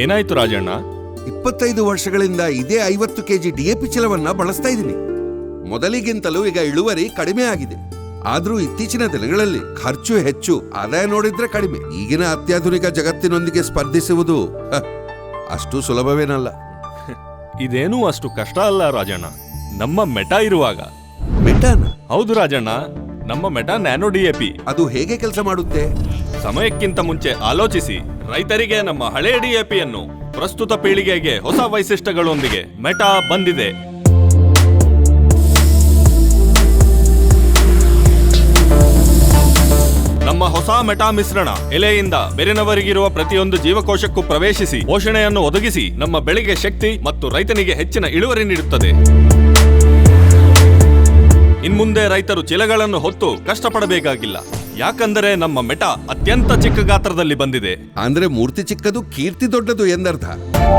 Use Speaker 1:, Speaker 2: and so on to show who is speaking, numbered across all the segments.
Speaker 1: ಏನಾಯ್ತು ರಾಜಣ್ಣ?
Speaker 2: 25 ವರ್ಷಗಳಿಂದ ಇದೇ 50 ಕೆಜಿ ಡಿಎಪಿ ಚೀಲವನ್ನ ಬಳಸ್ತಾ ಇದ್ದೀನಿ. ಮೊದಲಿಗಿಂತಲೂ ಈಗ ಇಳುವರಿ ಕಡಿಮೆ ಆಗಿದೆ. ಆದ್ರೂ ಇತ್ತೀಚಿನ ದಿನಗಳಲ್ಲಿ ಖರ್ಚು ಹೆಚ್ಚು, ಆದಾಯ ನೋಡಿದ್ರೆ ಕಡಿಮೆ. ಈಗಿನ ಅತ್ಯಾಧುನಿಕ ಜಗತ್ತಿನೊಂದಿಗೆ ಸ್ಪರ್ಧಿಸುವುದು ಅಷ್ಟು ಸುಲಭವೇನಲ್ಲ.
Speaker 1: ಇದೇನೂ ಅಷ್ಟು ಕಷ್ಟ ಅಲ್ಲ ರಾಜಣ್ಣ. ನಮ್ಮ ಮೆಟಾ ಇರುವಾಗ.
Speaker 2: ಮೆಟಾನ?
Speaker 1: ಹೌದು ರಾಜಣ್ಣ, ನಮ್ಮ ಮೆಟಾ ನ್ಯಾನೋ ಡಿಎಪಿ.
Speaker 2: ಅದು ಹೇಗೆ ಕೆಲಸ ಮಾಡುತ್ತೆ?
Speaker 1: ಸಮಯಕ್ಕಿಂತ ಮುಂಚೆ ಆಲೋಚಿಸಿ ರೈತರಿಗೆ ನಮ್ಮ ಹಳೆ ಡಿಎಪಿಯನ್ನು ಪ್ರಸ್ತುತ ಪೀಳಿಗೆಗೆ ಹೊಸ ವೈಶಿಷ್ಟ್ಯಗಳೊಂದಿಗೆ ಮೆಟಾ ಬಂದಿದೆ. ನಮ್ಮ ಹೊಸ ಮೆಟಾ ಮಿಶ್ರಣ ಎಲೆಯಿಂದ ಬೇರಿನವರಿಗಿರುವ ಪ್ರತಿಯೊಂದು ಜೀವಕೋಶಕ್ಕೂ ಪ್ರವೇಶಿಸಿ ಪೋಷಣೆಯನ್ನು ಒದಗಿಸಿ ನಮ್ಮ ಬೆಳೆಗೆ ಶಕ್ತಿ ಮತ್ತು ರೈತನಿಗೆ ಹೆಚ್ಚಿನ ಇಳುವರಿ ನೀಡುತ್ತದೆ. ಇನ್ಮುಂದೆ ರೈತರು ಚೀಲಗಳನ್ನು ಹೊತ್ತು ಕಷ್ಟಪಡಬೇಕಾಗಿಲ್ಲ, ಯಾಕಂದರೆ ನಮ್ಮ ಮೆಟಾ ಅತ್ಯಂತ ಚಿಕ್ಕ ಗಾತ್ರದಲ್ಲಿ ಬಂದಿದೆ.
Speaker 2: ಅಂದ್ರೆ ಮೂರ್ತಿ ಚಿಕ್ಕದು ಕೀರ್ತಿ ದೊಡ್ಡದು ಎಂದರ್ಥ.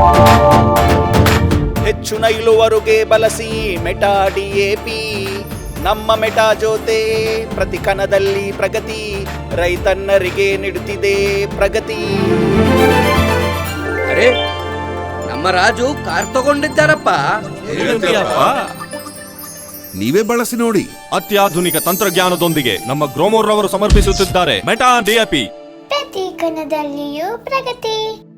Speaker 3: ಹೆಚ್ಚಿನ ಇಳುವರಿಗೆ ಬಳಸಿ ಮೆಟಾ ಡಿಎಪಿ. ನಮ್ಮ ಮೆಟಾ ಜೊತೆ ಪ್ರತಿ ಕಣದಲ್ಲಿ ಪ್ರಗತಿ, ರೈತನ್ನರಿಗೆ ನೀಡುತ್ತಿದೆ ಪ್ರಗತಿ.
Speaker 4: ಅರೆ, ನಮ್ಮ ರಾಜು ಕಾರ್ ತಗೊಂಡಿದ್ದಾರಪ್ಪ.
Speaker 2: ನೀವೇ ಬಳಸಿ ನೋಡಿ.
Speaker 1: ಅತ್ಯಾಧುನಿಕ ತಂತ್ರಜ್ಞಾನದೊಂದಿಗೆ ನಮ್ಮ ಗ್ರೋಮೋರ್ ರವರು ಸಮರ್ಪಿಸುತ್ತಿದ್ದಾರೆ ಮೆಟಾ ಡಿಎಪಿ.
Speaker 5: ಪ್ರತಿ ಕಣದಲ್ಲಿಯೂ ಪ್ರಗತಿ.